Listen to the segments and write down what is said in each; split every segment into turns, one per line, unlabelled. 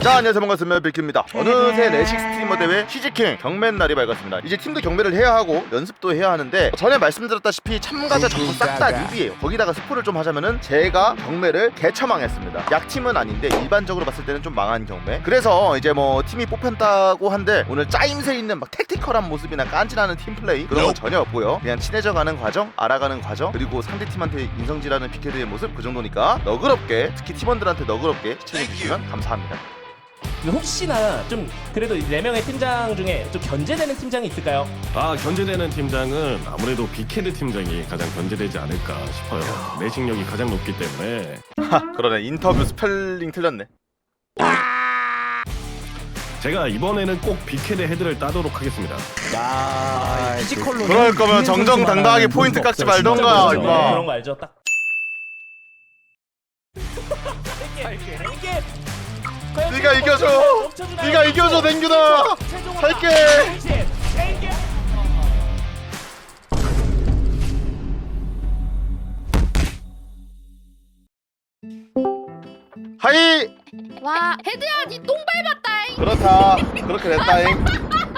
자, 안녕하세요. 반갑습니다. 빅큐입니다. 어느새 레식 스트리머 대회 시즈킹 경매 날이 밝았습니다. 이제 팀도 경매를 해야 하고 연습도 해야 하는데, 전에 말씀드렸다시피 참가자 전부 싹 다 뉴비예요. 거기다가 스포를 좀 하자면은 제가 경매를 개처망했습니다. 약팀은 아닌데 일반적으로 봤을 때는 좀 망한 경매. 그래서 이제 뭐 팀이 뽑혔다고 한데, 오늘 짜임새 있는 막 택티컬한 모습이나 깐지나는 팀플레이 그런 건 전혀 없고요. 그냥 친해져가는 과정, 알아가는 과정, 그리고 상대팀한테 인성질하는 빅헤드의 모습, 그 정도니까 너그럽게, 특히 팀원들한테 너그럽게 시청해주시면 감사합니다.
혹시나 좀 그래도 4명의 팀장 중에 좀 견제되는 팀장이 있을까요?
견제되는 팀장은 아무래도 빅헤드 팀장이 가장 견제되지 않을까 싶어요. 내식력이 가장 높기 때문에.
그러네, 인터뷰 스펠링 틀렸네.
제가 이번에는 꼭 빅헤드 헤드를 따도록 하겠습니다.
피지컬로
그럴 거면 정정당당하게 포인트 깎지 말던가, 임마.
그런 거 알죠? 딱.
네가 이겨줘. 네가 이겨줘, 댕규다. 할게. 하이.
와, 헤드야, 니 똥 밟았다잉.
그렇다. 그렇게 됐다잉.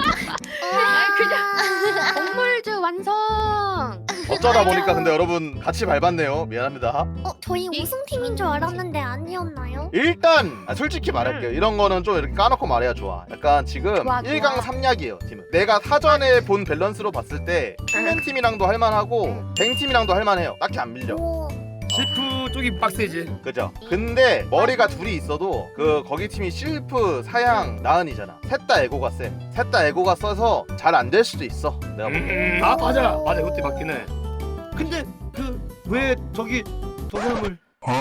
그냥 건물즈 완성.
어쩌다 보니까 근데 여러분 같이 밟았네요. 미안합니다.
저희 우승팀인 줄 알았는데 아니었나요?
일단 솔직히 말할게요. 이런 거는 좀 이렇게 까놓고 말해야 좋아. 약간 지금
좋아, 좋아.
1강 3약이에요 팀은. 내가 사전에 본 밸런스로 봤을 때 킹맨 팀이랑도 할만하고 뱅 팀이랑도 할만해요. 딱히 안 밀려.
오,
실프 쪽이 빡세지.
그죠? 근데 머리가 둘이 있어도 거기 팀이 실프, 사양, 나은이잖아. 셋 다 에고가 세. 셋 다 에고가 써서 잘 안 될 수도 있어. 내가 보기엔.
맞아 그때 맞긴 해. 근데 왜 저기 저 사람을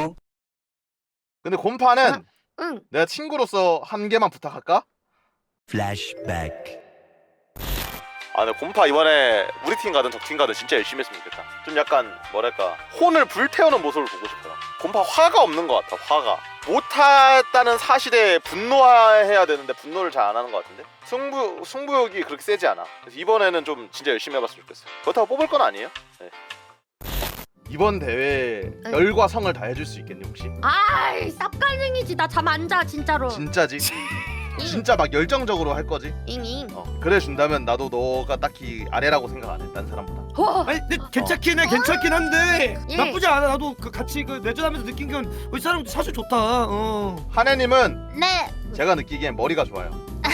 근데 곰파는
응.
내가 친구로서 한 개만 부탁할까?
플래시백.
근데 곰파 이번에 우리 팀 가든 적팀 가든 진짜 열심히 했으면 좋겠다. 좀 약간 뭐랄까, 혼을 불태우는 모습을 보고 싶어요. 곰파 화가 없는 것 같아. 화가 못했다는 사실에 분노해야 되는데 분노를 잘 안 하는 것 같은데, 승부욕이 그렇게 세지 않아. 그래서 이번에는 좀 진짜 열심히 해봤으면 좋겠어요. 그렇다고 뽑을 건 아니에요. 네. 이번 대회 열과 성을 다 해줄 수 있겠니 혹시?
아이, 쌉갈ring이지. 나 잠 안 자, 진짜로.
진짜지? 진짜 막 열정적으로 할 거지?
잉잉.
그래 준다면 나도 너가 딱히 아래라고 생각 안 해. 딴 사람보다.
아니 근데 괜찮긴 한데
예.
나쁘지 않아. 나도 같이 내전하면서 느낀 건 이 사람 사실 좋다.
한혜님은
네.
제가 느끼기엔 머리가 좋아요.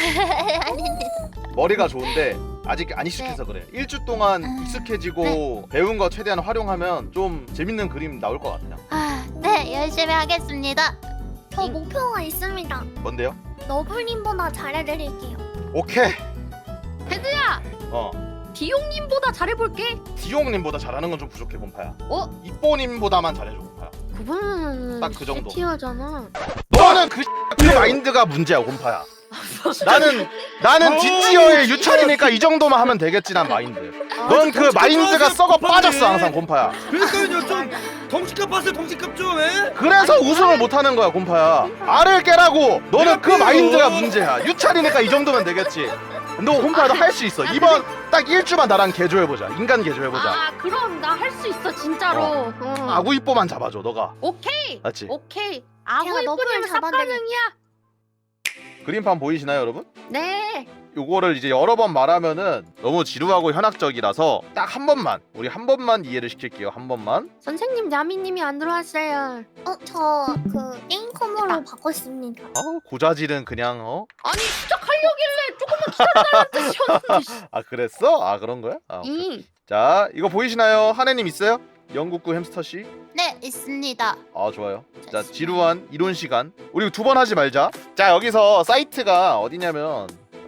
머리가 좋은데 아직 안 익숙해서 그래. 일주 동안 익숙해지고 배운 거 최대한 활용하면 좀 재밌는 그림 나올 것 같아요.
네, 열심히 하겠습니다. 저 목표가 있습니다.
뭔데요?
너블님보다 잘해드릴게요.
오케이.
헤드야, 디용님보다 잘해볼게.
디용님보다 잘하는 건 좀 부족해 곰파야. 이뽀님보다만 잘해줘 곰파야.
그분은
딱그 정도.
티어잖아.
너는 그 마인드가 문제야 곰파야. 나는 뒷지어의 유찬이니까 이 정도만 하면 되겠지. 난 마인드. 넌 그 마인드가 썩어 빠졌어 항상 곰파야.
그러니까요, 좀 덩치값 봤어요. 덩치값 좀.
그래서 우승을 못하는 거야 곰파야. 알을 깨라고. 너는 그 마인드가 문제야. 유찬이니까 이 정도면 되겠지. 너 곰파야, 너 할 수 있어. 이번 딱 일주만 나랑 개조해보자. 인간 개조해보자.
아, 그럼 나 할 수 있어, 진짜로.
아구 이뽀만 잡아줘 너가.
오케이.
맞지?
오케이. 아구
제가 너블을
이쁘면
잡아드릴게요.
쌉갈ring이야.
그림판 보이시나요 여러분?
네.
요거를 이제 여러 번 말하면은 너무 지루하고 현학적이라서 딱 한 번만, 우리 한 번만 이해를 시킬게요. 한 번만.
선생님, 야미님이 안 들어왔어요.
저 게임 컴으로 바꿨습니다.
고자질은 그냥
아니, 시작하려길래 조금만 기다려달라는 뜻이었는데.
아 그랬어? 아 그런 거야? 오케이.
응.
자, 이거 보이시나요? 한혜님 있어요? 영국구 햄스터씨.
네, 있습니다.
좋아요. 자, 지루한 이론 시간 우리 두 번 하지 말자. 자, 여기서 사이트가 어디냐면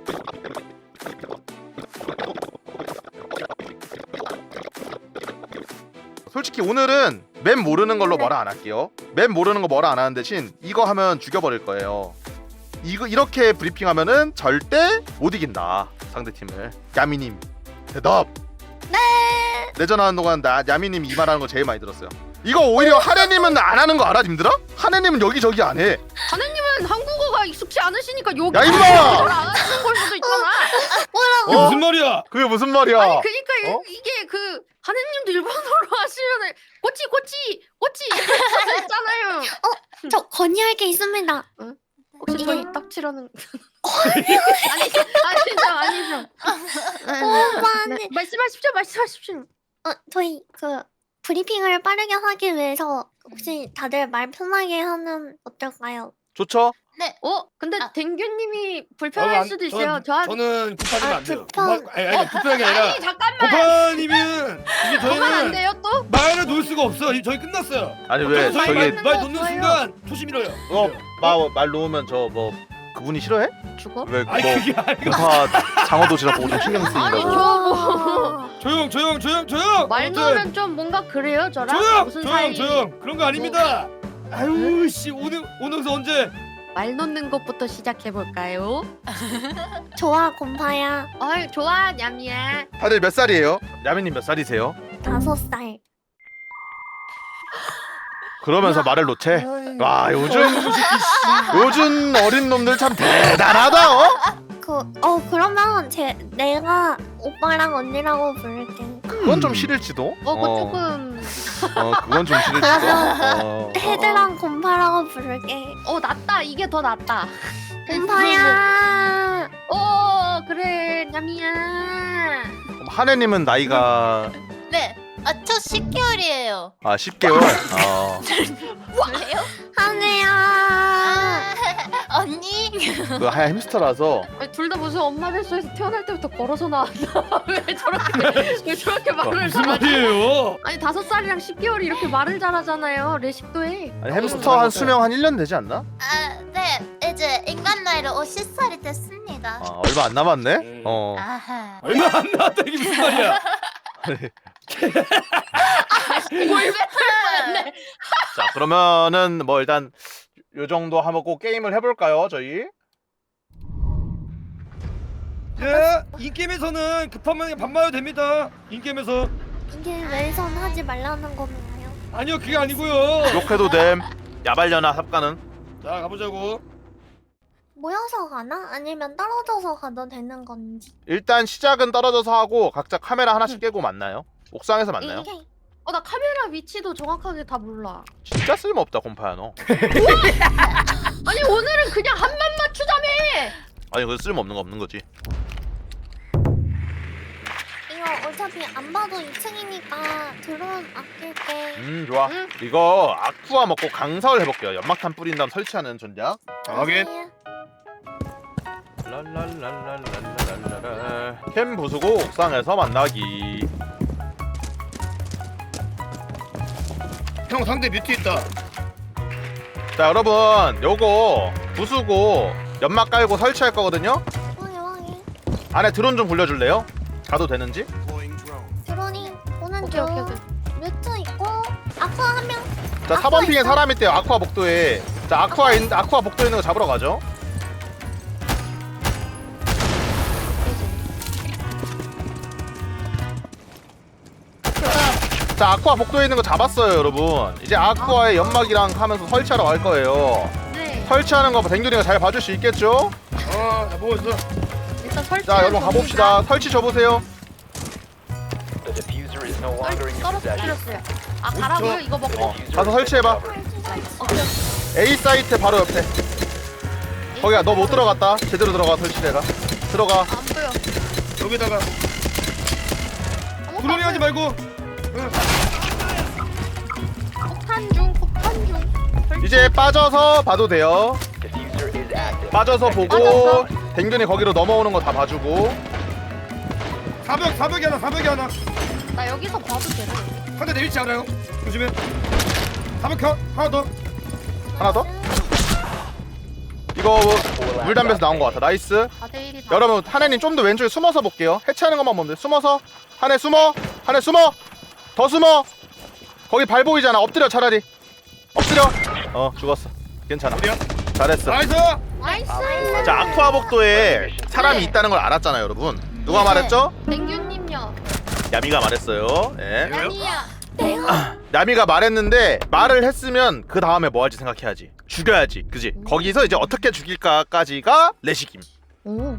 솔직히 오늘은 맵 모르는 걸로 뭐라 안 할게요. 맵 모르는 거 뭐라 안 하는 대신 이거 하면 죽여버릴 거예요. 이렇게 브리핑하면은 절대 못 이긴다 상대팀을. 야미님 대답.
네.
내전하는 동안 야미님이 이 말하는 거 제일 많이 들었어요. 이거 오히려 하네님은 안 하는 거 알아, 님들아? 하네님은 여기저기 안 해.
하느님은 한국어가 익숙치 않으시니까 여기
야, 임마!
잘안 하시는 걸 수도 있잖아.
그게 무슨 말이야?
그게 무슨 말이야?
아니, 그니까 이게 하느님도 일본어로 하시면 꼬치 이렇게 할 수 있잖아요.
저 건의할 게 있습니다.
혹시
이게-
저희 딱지라는 아니죠. 네, 말씀하십시오.
저희 그 브리핑을 빠르게 하기 위해서 혹시 다들 말 편하게 하면 어떨까요?
좋죠?
근데
아.
댕규님이 불편할 수도 있어요.
저는 급하지면 안 돼요.
불편.
아니 급하게 아니라
아니 잠깐만.
급하니면 이게
그만 안
저희는
돼요 또?
말을 놓을 수가 없어. 저희 끝났어요.
아니 왜
저희
저기
말 놓는
없어요.
순간 초심 잃어요.
말 놓으면 저 뭐 그분이 싫어해?
죽어?
왜
아니
뭐
그게 아니고
공파 장어도시락 보고 좀 신경
아니
쓰인다고?
저
조용.
말
아무튼
놓으면 좀 뭔가 그래요 저랑 무슨 사이?
조용. 그런 거 아닙니다. 아유 씨 오늘서 언제?
말 놓는 것부터 시작해 볼까요?
좋아 곰파야.
어이 좋아 냠이야.
다들 몇 살이에요? 야미님 몇 살이세요?
5살.
그러면서 말을 놓채? 와 요즘 어린 놈들 참 대단하다 어?
그러면 내가 오빠랑 언니라고 부를게.
그건 좀 싫을지도?
그거 조금
그건 좀 싫을지도?
헤드랑 곰파라고 부를게.
낫다 이게 더 낫다.
곰파야.
그래 냠이야.
그럼 하네님은 나이가
네. 저 10개월이에요.
10개월?
뭐예요? 하네야. 언니.
그 하얀 햄스터라서
둘 다 무슨 엄마 뱃속에서 태어날 때부터 걸어서 나왔나? 왜 저렇게 말을
무슨
잘하지?
말이에요?
아니 5살이랑 10개월이 이렇게 말을 잘하잖아요. 레식도 해.
아니 햄스터 한 수명 한 1년 되지 않나?
네. 이제 인간 나이로 50살이 됐습니다.
얼마 안 남았네?
아하.
얼마 안 나왔다 이게 무슨 말이야?
자 그러면은 뭐 일단 요 정도 하고 게임을 해볼까요 저희?
인게임에서는 급하면 반말해도 됩니다. 인게임에서
이게 왼손 하지 말라는 건가요?
아니요 그게 아니고요.
욕해도 됨 야발려나 삽가는
자 가보자고.
모여서 가나? 아니면 떨어져서 가도 되는 건지.
일단 시작은 떨어져서 하고 각자 카메라 하나씩 깨고 만나요? 옥상에서 만나요?
오케이.
나 카메라 위치도 정확하게 다 몰라.
진짜 쓸모없다 곰파야 너.
아니 오늘은 그냥 한만 맞추자며.
아니 그 쓸모없는 거 없는 거지.
이거 어차피 안 봐도 2층이니까 드론 아낄게.
좋아.
응.
이거 아쿠아 먹고 강사를 해볼게요. 연막탄 뿌린 다음 설치하는 전략.
확인.
랄랄랄랄랄랄랄랄. 캠 부수고 옥상에서 만나기.
형 상대 뮤트 있다.
자 여러분 요거 부수고 연막 깔고 설치할 거거든요.
확인.
안에 드론 좀 굴려줄래요? 가도 되는지?
드론이 오는
오케이.
뮤트 있고 아쿠아 한 명.
자 4번 핑에 사람 있대요. 아쿠아 복도에. 자 아쿠아 복도에 있는 거 잡으러 가죠. 자 아쿠아 복도에 있는 거 잡았어요 여러분. 이제 아쿠아에 연막이랑 하면서 설치하러 갈 거예요.
네.
설치하는 거 댕균이가 잘 봐줄 수 있겠죠?
나 보고 있어.
일단 설치.
자 여러분 가봅시다. 설치 줘보세요.
떨어뜨렸어요. 가라고요? 이거 먹고.
가서 설치해봐. A 사이트 바로 옆에. 거기야 너 못 들어갔다. 제대로 들어가 설치대가. 들어가.
안 보여.
여기다가 드론이 하지 말고.
폭탄 중.
이제 빠져서 봐도 돼요. 빠져서 보고
빠졌어?
댕균이 거기로 넘어오는 거 다 봐주고.
사벽이 하나.
나 여기서 봐도 되나?
한 대 내리지 않아요? 조심해. 사벽 하나 더.
하나 더? 이거 물담배에서 나온 거 같아. 나이스.
4대1이
여러분 하네님 좀 더 왼쪽에 숨어서 볼게요. 해체하는 것만 보면 돼. 숨어서. 하네 숨어. 더 숨어. 거기 발 보이잖아. 엎드려 차라리. 엎드려. 죽었어. 괜찮아.
어디야?
잘했어.
나이스.
나이스.
자 아쿠아 복도에 사람이 있다는 걸 알았잖아요 여러분. 누가 말했죠?
댕규님요.
야미가 말했어요. 예.
아니야.
야미가 말했는데 말을 했으면 그 다음에 뭐 할지 생각해야지. 죽여야지. 그지? 거기서 이제 어떻게 죽일까까지가 레시김.
오.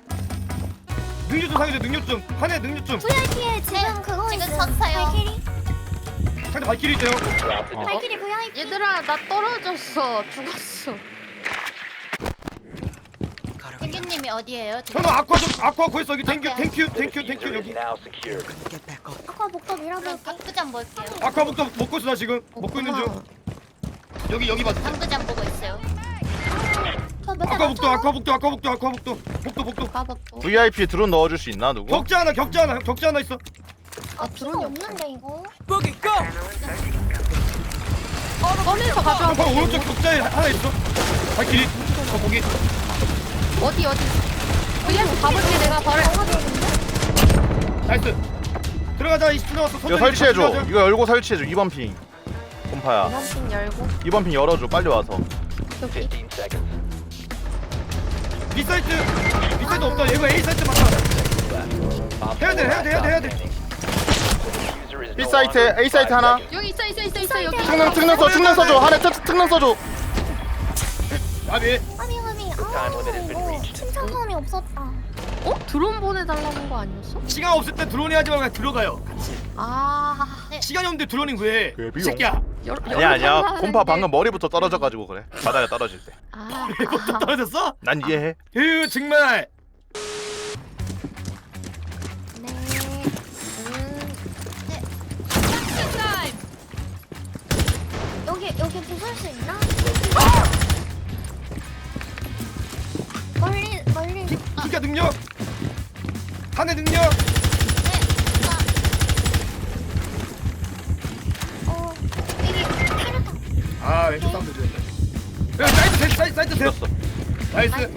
능력 좀 상해줘. 능력 좀. 한해 능력 좀.
VIP에 지금 그거
지금
있어요.
섰어요.
발키리.
상대 발키리 있대요.
발키리 VIP.
얘들아 나 떨어졌어. 죽었어.
지점이 어디예요?
저는 아쿠아 구했어. 여기 땡큐 여기.
아까 목도 밀어볼게.
당구장 볼게요.
아쿠아북도 먹고 있어 나 지금. 먹고 있는 중. 여기 봐.
당구장 보고 있어요.
저몇대
아쿠아북도. 복도.
까먹고.
VIP 드론 넣어줄 수 있나 누구?
격자 하나 있어.
아 드론이 없는데 이거.
꺼내서 가져와.
바로 오른쪽 격자에 하나 있어. 발길이. 저 거기.
어디? VS 가볼게 내가 바로.
나이스. 들어가자. 20초 남았어.
이거 설치해줘. 이거 열고 설치해줘. 2번 핑. 곰파야.
이번 핀 열고.
2번 핑 열어줘. 빨리 와서.
여기.
B사이트 없다. 이거 A사이트 맞다. 해야 돼.
B 사이트, A 사이트 하나.
여기 있어 여기.
특능 써줘. 하나 특능 써줘.
아비.
아미. 아 이거 침착함이 없었다.
어? 드론 보내달라는 거 아니었어?
시간 없을 때 드론이 하지 말고 그냥 들어가요.
아.
시간이 없는데 드론이 왜? 이 새끼야.
아니야. 곰파 방금 머리부터 떨어져가지고 그래. 바닥에 떨어질 때.
아.
떨어졌어?
난 이해해.
정말.
네. 여기 부술 수 있나? 멀리.
기가 능력. 한해 능력.
이게 필요다.
아 왼쪽 사운드 좋은데. 야 사이트 셋.
죽였어.
나이스.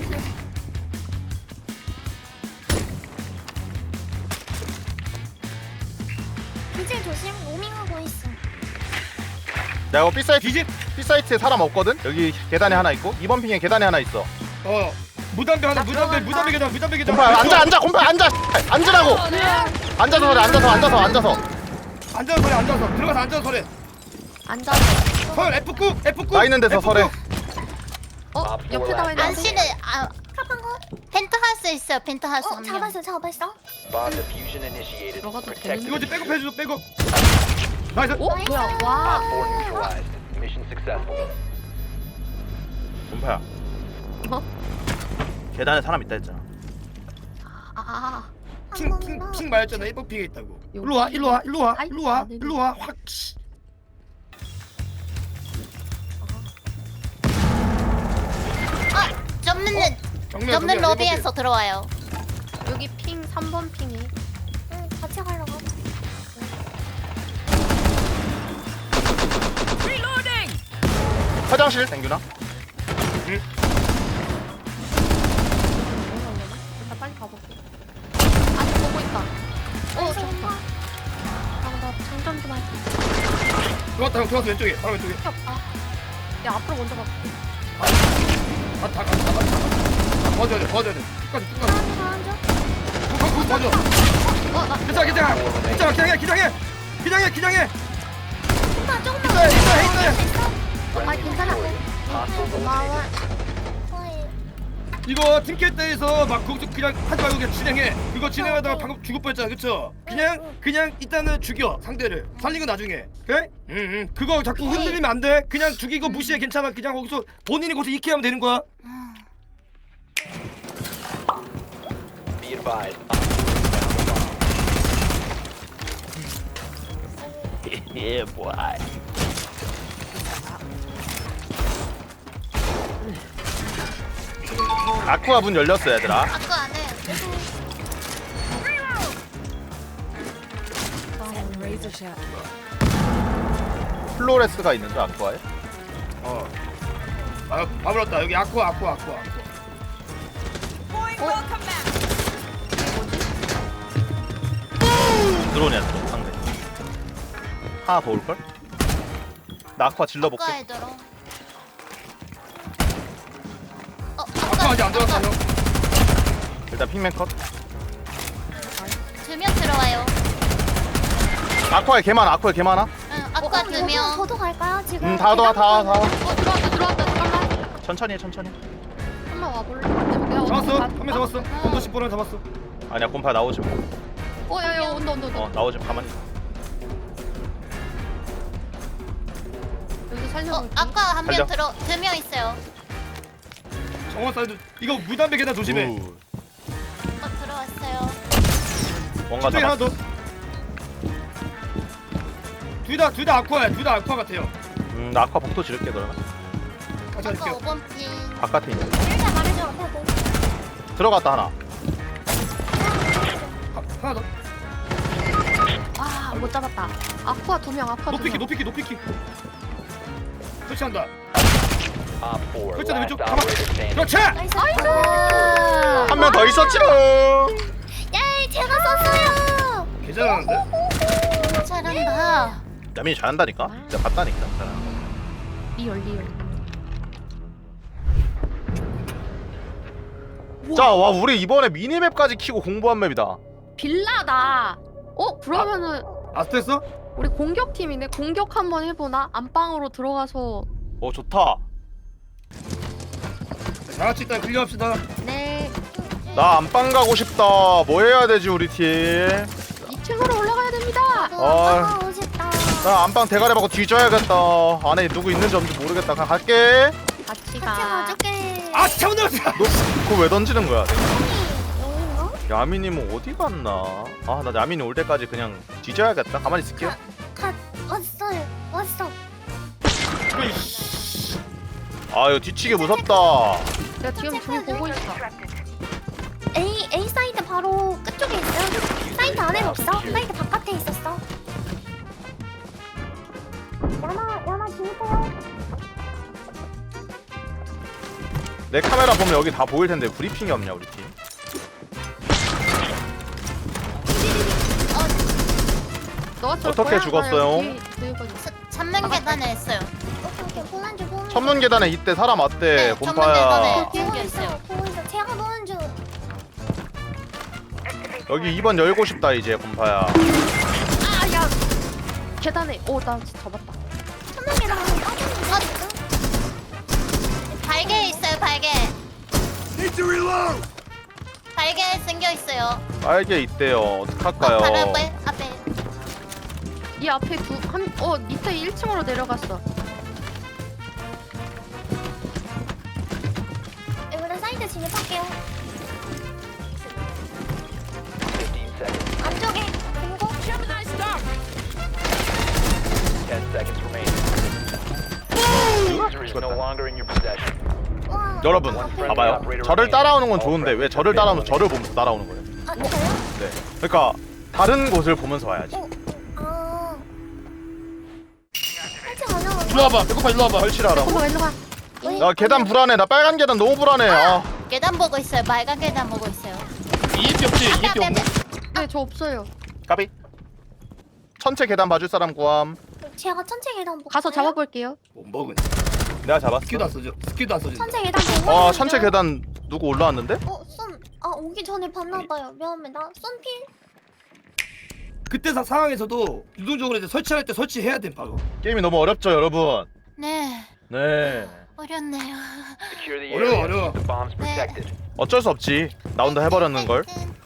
이제 조심. 로밍하고 있어.
야 이거 B 사이트
뒤집.
B 사이트에 사람 없거든. 여기 계단에 하나 있고 2번 핑에 계단에 하나 있어.
무담배 하나. 무담배 계단.
곰파 앉아. 곰파 앉아. 앉으라고. 앉아서 그래. 앉아서.
앉아서 들어가서 앉아서 서래.
앉아서.
설 F9.
나 있는 데서 설해.
옆에 나와 있는.
안씨는
kap한 거?
펜트하우스 있어요. 펜트하우스. 한 명.
잡았어.
들어가도 되는.
이거 이제 백업해줘. 백업. 나이스.
뭐야? 와.
곰파야.
어?
계단에 사람 있다 했잖아.
아.
핑 말했잖아. 1번 핑에 있다고.
여기.
일로 와. 확.
접는 로비에서 들어와요.
여기 핑 3번 핑이.
응, 같이 가려고.
화장실 땡규나?
일단 빨리 가볼게. 아직 보고 있다. 좋다. 나 장전 좀 할게.
들어왔어 왼쪽에. 바로 왼쪽에.
필요 없다. 야 앞으로 먼저 가.
다 도와줘야 돼. 끝까지.
앉아.
도와줘. 괜찮아. 기장해.
조금만.
있어.
아 괜찮아. 고마워.
이거 팀킬 때에서 막 거기서 그냥 하지 말고 그냥 진행해. 그거 진행하다가 방금 죽을 뻔했잖아, 그쵸? 그냥 일단은 죽여 상대를. 살린 건 나중에. 그래? 그거 자꾸 흔들리면 안 돼. 그냥 죽이고 무시해. 괜찮아. 그냥 거기서 본인이 거기서 이케하면 되는 거야.
예, 뭐야. 아쿠아 문 열렸어 얘들아.
아까 안에
플로레스가 있는데 아쿠아에?
밥을 얻다. 여기 아쿠아.
드론이야 드론 상대. 하나 더 올걸? 나 아쿠아 질러볼게.
아까에 들어.
아쿠아 아직 안 들어왔어, 형.
일단 핑맨 컷.
2명 들어와요.
아쿠아에 개 많아.
응, 아까 2명.
저도 갈까요 지금?
다
들어왔다. 잠깐만.
천천히 해.
한번 와볼래? 내가
잡았어.
어디
한 명 잡았어. bomb 10번을 잡았어.
아니야 곰파 나오지 마.
야야 온다.
나오지 마. 가만히.
여기서 살려볼게.
아까 한 명
살려.
들어. 2명 있어요.
정원 사이드 이거 무담배 계단 조심해.
들어왔어요.
뭔가
저기 하나
잡았어.
더. 둘 다 아쿠아야. 둘 다 아쿠아 같아요.
나 아까 복도 지를게 그러면.
같이
아까
할게요.
5번 핀.
바깥에 있네.
일단 말해줘. 하고.
들어갔다 하나.
하나 더.
아, 못 잡았다. 아쿠아 2명, 아쿠아 2명.
높이키. 설치한다. 설치한다 왼쪽. 가만. 그렇지.
나이스.
한 명 더 있었지롱.
예, 제가 썼어요.
괜찮은데?
잘한다.
야민이 잘한다니까. 내가 봤다니까. 잘한다.
리얼.
자, 와 우리 이번에 미니맵까지 키고 공부한 맵이다.
빌라다. 그러면은
아스트했어?
우리 공격팀이네. 공격 한번 해보나? 안방으로 들어가서.
좋다.
다 같이 일단 클리어합시다.
네.
나 안방 가고 싶다. 뭐 해야 되지 우리 팀?
2층으로 올라가야 됩니다.
너무 싶다.
나 안방 대가리 받고 뒤져야겠다. 안에 누구 있는지 없는지 모르겠다. 그냥 갈게.
같이
같이
가.
가줄게.
아 잘못 넣었어.
너 그거 왜 던지는 거야?
여기인가?
야민님은 어디 갔나? 아, 나 야민이 올 때까지 그냥 뒤져야겠다. 가만히 있을게요.
왔어요. 왔어.
아, 이거 뒤치기 무섭다.
내가 지금 저기 보고 있어.
A 사이드 바로 끝쪽에 있어요. 사이드 안에는 없어. 사이드 바깥에 있었어. 야마 주세요.
내 카메라 보면 여기 다 보일 텐데 브리핑이 없냐 우리 팀?
너가 쏠
어떻게
거야?
죽었어요?
나 여기 들고 있어.
전면 계단에 했어요.
오케이. 보는 중.
천문 계단에 이때 사람 왔대.
네,
곰파야.
천문
보고
계단에.
있어. 보고 있어. 제가 보는 중.
여기 2번 열고 싶다 이제 곰파야.
아, 야. 계단에. 나 진짜 잡았다.
천명이랑 빠졌는데.
발개 있어요. 발개. 발개 생겨 있어요.
빨개 있대요. 어떡할까요?
바로 앞에.
이 앞에 밑에 1층으로 내려갔어.
이번에 사이드 진입할게요. 안쪽에 그리고 와.
여러분 봐봐요. 저를 따라오는 건 좋은데 왜 저를 따라오면 저를 보면서 따라오는 거예요?
아, 저요?
네. 그러니까 다른 곳을 보면서 와야지.
아. 살짝 올라와.
일로 와봐. 배고파 일로 와봐.
설치하라고.
일로 가, 일로 가.
나 계단 불안해. 나 빨간 계단 너무 불안해. 아.
계단 보고 있어요. 빨간 계단 보고 있어요.
EMP 없지? EMP 없네.
네, 저 없어요.
까비. 천체 계단 봐줄 사람 구함.
제가 천체 계단 보고
가서 잡아볼게요.
못 먹은.
내가 잡았어.
스킬도 안 써줘. 스킬도 안 써줘.
천체 계단 보고
아,
있는데요.
천체 계단 누구 올라왔는데?
오기 전에 봤나봐요. 미안합니다. 쏜필.
그때 상황에서도 유동적으로 이제 설치할 때 설치해야 돼 바로.
게임이 너무 어렵죠, 여러분.
네.
네.
어렵네요.
어려워.
네.
어쩔 수 없지. 나 혼자 해버렸는 걸.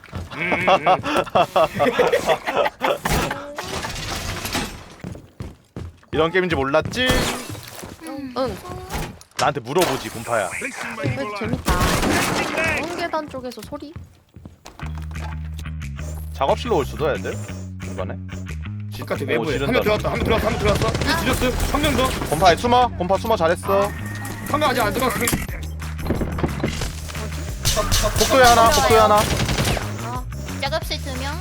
이런 게임인지 몰랐지?
응.
나한테 물어보지, 곰파야.
재밌다. 좋은 계단 쪽에서 소리?
작업실로 올 수도 애들. 이번에.
바깥에
오,
외부에.
지른다.
한 명 들어왔다. 한 명 들어왔어. 지렸어. 한 명 더.
곰파에 숨어. 곰파 숨어 잘했어.
한 명 아직 안 들어왔어.
복도에 하나. 복도에 하나.
작업실 2명.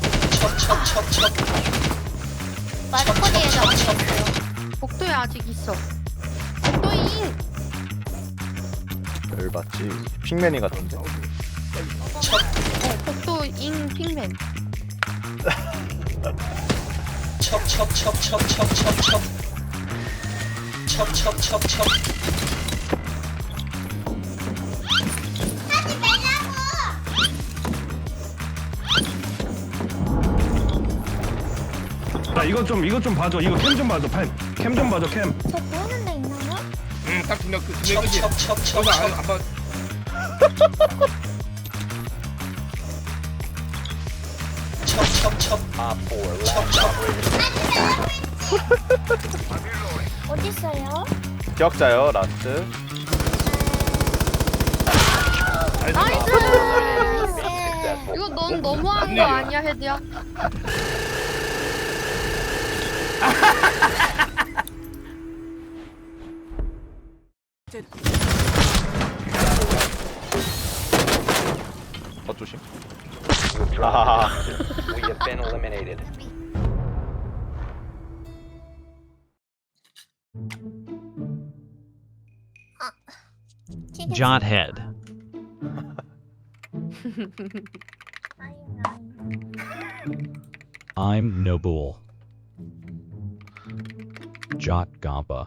마드코디에 작업실 있어요.
복도에 아직 있어. 복도에
열받지. 핑맨이 같은데.
복도 잉 핑맨.
나 이거 좀 봐줘. 이거 캠 좀 봐줘. 캠 좀 봐줘. 캠.
저 보이는 데 있나요?
딱 두 명. 그두 명이지. 거기서 안 봐.
어디 있어요?
기억자요, 라스트.
나이스.
네.
이거 넌 너무한 거 아니야 헤드야?
조심. 아하하.
Jot head. I'm Noble. Jot Gampa.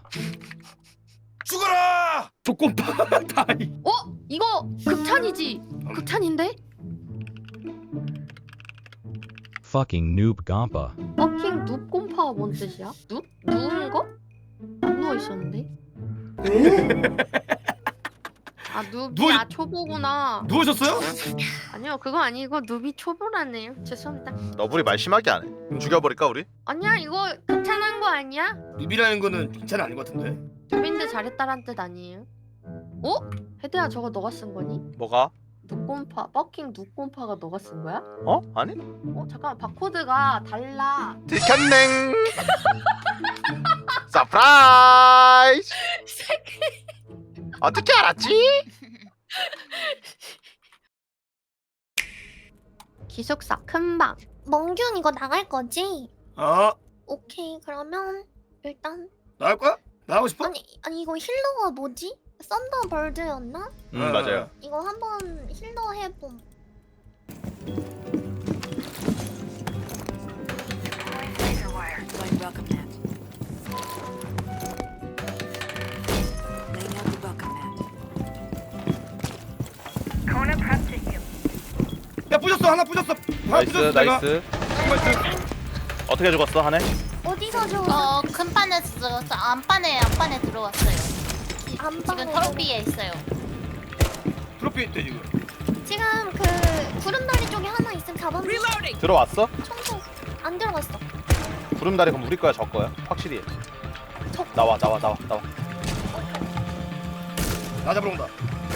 죽어라! 조건파 다이.
어? 이거 극찬이지? 극찬인데?
Fucking noob Gampa.
버킹 눕곰파가 뭔 뜻이야? 눕? 누운 거? 안 누워 있었는데? 아 눕이 아 초보구나.
누우셨어요?
아니요 그거 아니고 눕이 초보라네요. 죄송합니다.
너블이 말 심하게 안 해. 죽여버릴까 우리?
아니야 이거 극찬한 거 아니야?
누비라는 거는 괜찮은 아닌 것 같은데.
눕인데 잘했다란 뜻 아니에요? 어? 헤드야 저거 너가 쓴 거니?
뭐가?
눕곰파 버킹 눕곰파가 너가 쓴 거야?
어? 아니?
어 잠깐 바코드가 달라.
들켰냉. 서프라이즈. 어떻게 알았지?
기숙사 큰방.
멍균 이거 나갈 거지?
아
오케이 그러면 일단
나갈 거야? 나가고 싶어?
아니 이거 힐러가 뭐지? 썬더벌드였나?
맞아요.
이거 한번 힐러 해봄.
야 부셨어 하나 부셨어. 하나
나이스
부셨어 내가.
나이스.
나이스.
어떻게 죽었어 한해?
어디서 줘?
금판에 저 안판에 들어왔어요.
안방에
지금 트로피에 있어요.
트로피 있대 지금.
지금 그 구름다리 쪽에 하나 있으면 잡았는데
들어왔어?
청소 안 들어갔어.
구름다리 그럼 우리 거야 저 거야? 확실히 해. 나와.
나 잡으러 온다.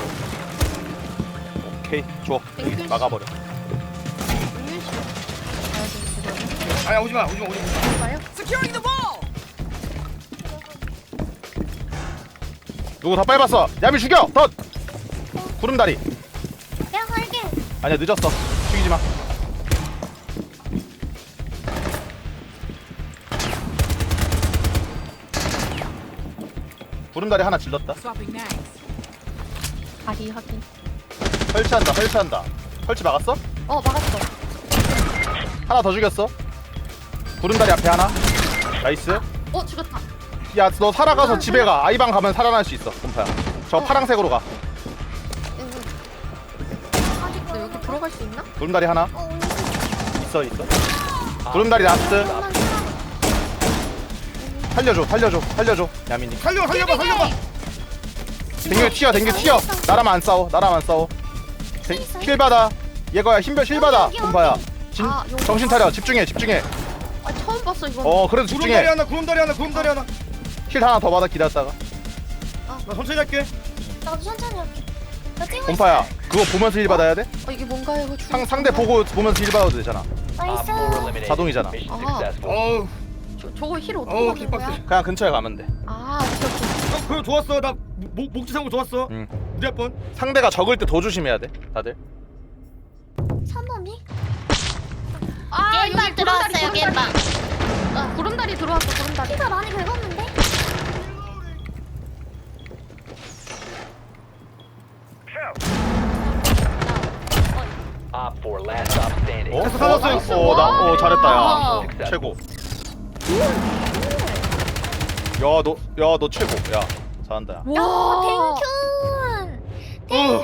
오케이 줘. 여기 막아버려.
아야 오지마.
누구 더 밟았어? 야미 죽여! 더! 구름다리.
내가 갈게.
아니야 늦었어. 죽이지 마. 구름다리 하나 질렀다.
다리 확인.
설치한다. 설치 막았어?
어 막았어.
하나 더 죽였어. 구름다리 앞에 하나. 나이스.
어 죽었다.
야 너 살아가서 집에 가. 아이방 가면 살아날 수 있어. 곰파야. 저 파랑색으로 가.
너 여기 들어갈 수 있나?
구름다리 하나. 있어. 구름다리 라스트. 살려줘. 야민이.
살려봐.
댕겨 튀어. 나라만 안 싸워. 힐 받아. 얘거야 힐 받아. 곰파야. 정신 차려. 집중해.
아 처음 봤어 이거.
그래도 집중해.
구름다리 하나.
힐 하나 더 받아 기다렸다가.
나 천천히 할게.
나도 천천히 할게. 나 찍고
곰파야. 그거 보면서 힐 받아야 돼?
이게 뭔가요? 이거
상대 보면서 힐 받아도 되잖아.
나이스.
자동이잖아.
어우
저거 힐 어떻게
어우
받는 거야?
킥박스.
그냥 근처에 가면 돼.
아 오케이.
그거 좋았어. 나 목지 상고 좋았어.
응.
우리 한 번.
상대가 적을 때 더 조심해야 돼. 다들.
3번이?
아
게임방 들어왔어요. 게임방.
구름다리 들어왔어. 구름다리.
피가 많이 긁었는데?
살았어요. 잘했다 야. 최고. 야 너 최고. 야 잘한다. 야.
와.
땡큐.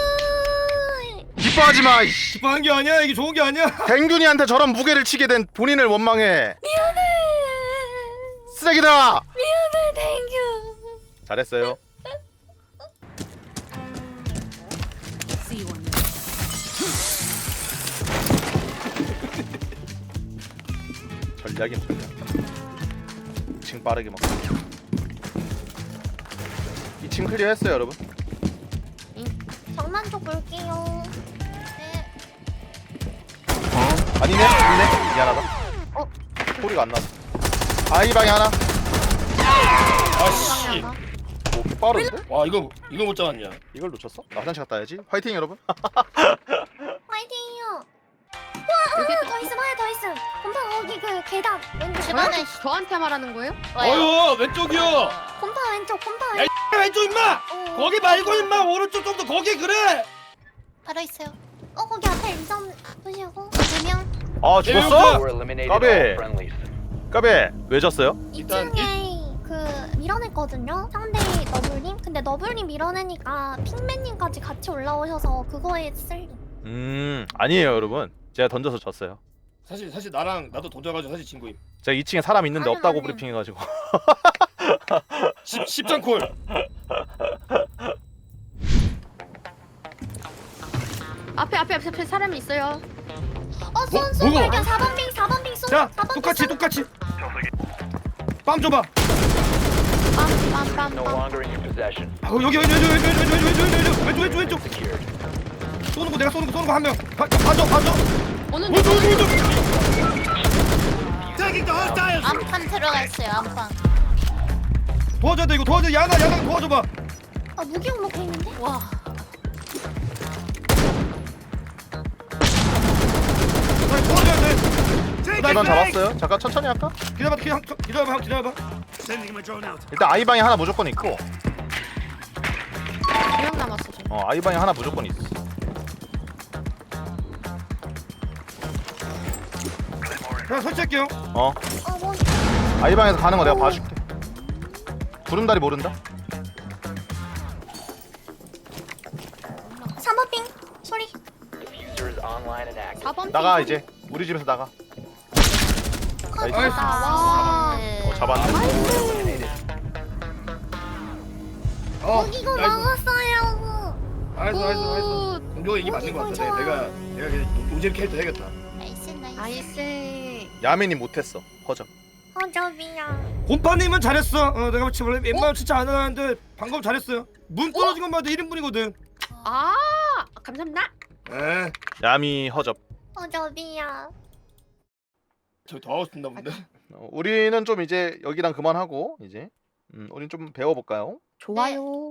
기뻐하지 마. 이씨.
기뻐한 게 아니야. 이게 좋은 게 아니야.
댕균이한테 저런 무게를 치게 된 본인을 원망해.
미안해.
쓰레기다.
미안해. 땡큐.
잘했어요. 전략임 전략. 2층 빠르게 먹고. 2층 클리어 했어요 여러분.
장난 좀 볼게요.
네.
아니네 있네. 미안하다. 소리가 안 났어. 아이방에 하나.
아씨.
오 빠른데?
와 이거 못 잡았냐?
이걸 놓쳤어? 나 화장실 갔다 와야지. 화이팅 여러분.
화이팅이요. 와, 더 있음, 하나 더 있음. 곰파 거기 그 계단 왼쪽.
주변에
저한테 말하는 거예요?
와요.
어휴 왼쪽이요.
곰파 왼쪽, 곰파
야,
왼쪽.
왼쪽 임마.
어.
거기 말고 임마 오른쪽 좀 더 거기 그래.
바로 있어요.
거기 앞에 인점 보시고.
2명.
아 죽었어?
네,
까베. 까베 왜 졌어요?
일단
2층에 그 밀어냈거든요. 상대 너블님. 근데 너블님 밀어내니까 핑맨님까지 같이 올라오셔서 그거에 쓸리.
아니에요 여러분. 제가 던져서 졌어요.
사실 나랑 나도 던져가지고 사실 진 거임.
제가 2층에 사람 있는데
아니,
없다고
아니.
브리핑해가지고.
10장 콜.
앞에 사람이 있어요.
손
뭐가?
발견 4번 빙, 4번 빙 손.
자
4번
똑같이. 빰 줘봐.
빰빰빰빰.
여기 왼쪽. 쏘는 거 내가 쏘는 거 한 명. 봐줘.
오는
왼쪽.
안판 들어가 있어요. 안판.
도와줘야 돼 이거 도와줘. 야나 도와줘봐.
아, 무기용 먹고 있는데?
와.
도와줘야 돼.
일단 잡았어요. 잠깐 천천히 할까?
기다려봐.
일단 아이방에 하나 무조건 있고.
2명 남았어 지금.
아이방에 하나 무조건 있어.
그냥 설치할게요.
뭐.
아이방에서 가는 거 내가 봐줄게. 구름다리 모른다?
3번 빙 소리.
4번
나가 이제. 우리 집에서 나가. 나이스.
나이스.
와.
네.
잡았네.
무기고 먹었어요.
나이스. 공룡 얘기 맞는 거 같아. 내가 그냥 노잼 캐릭터 해야겠다.
나이스.
나이스.
야민이 못했어. 허접.
허접이야.
곰파님은 잘했어. 내가 지금 원래 웬만하면 진짜 안 하는데 방금 잘했어요. 문 떨어진 것만 해도 1인분이거든.
아 감사합니다.
에.
야미 허접.
허접이야.
저기 더 하고 싶나 본데.
우리는 좀 이제 여기랑 그만하고 이제 우린 좀 배워볼까요?
좋아요.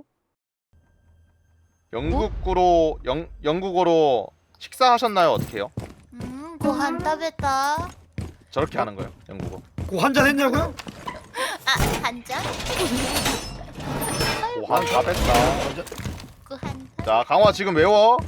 영국어로 식사하셨나요? 어떻게요?
고한 따베다.
저렇게 하는 거예요. 영국어.
고 한잔 했냐고요?
아, 한 잔?
오한 다 뺐다.
고한.
자 강화 지금 외워.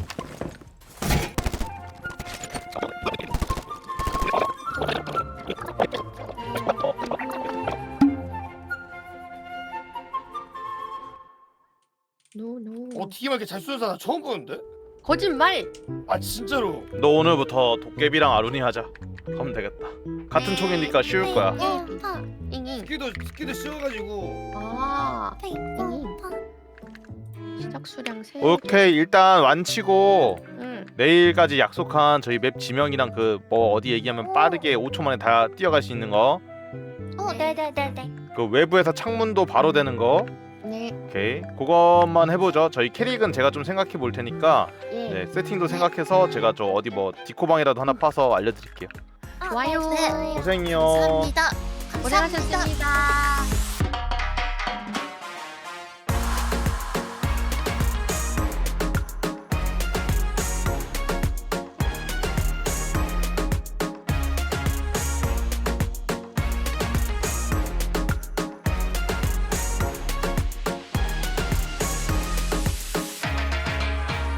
노노.
어떻게 이렇게 잘 쏘는 사람 처음 보는데?
거짓말.
아 진짜로.
너 오늘부터 도깨비랑 아룬이 하자. 하면 되겠다. 같은 총이니까 쉬울 거야.
곰파.
잉잉.
스키도 씌워가지고.
아
곰파.
시작 수량 3.
오케이 일단 완치고
응.
내일까지 약속한 저희 맵 지명이랑 그 뭐 어디 얘기하면 빠르게 5초 만에 다 뛰어갈 수 있는 거.
네네네네.
그 외부에서 창문도 바로 되는 거.
네.
오케이 그것만 해보죠. 저희 캐릭은 제가 좀 생각해 볼 테니까
예.
네, 세팅도 생각해서 제가 저 어디 뭐 디코방이라도 하나 파서 알려드릴게요.
좋아요.
네.
고생이요.
감사합니다. 감사합니다.
고생하셨습니다.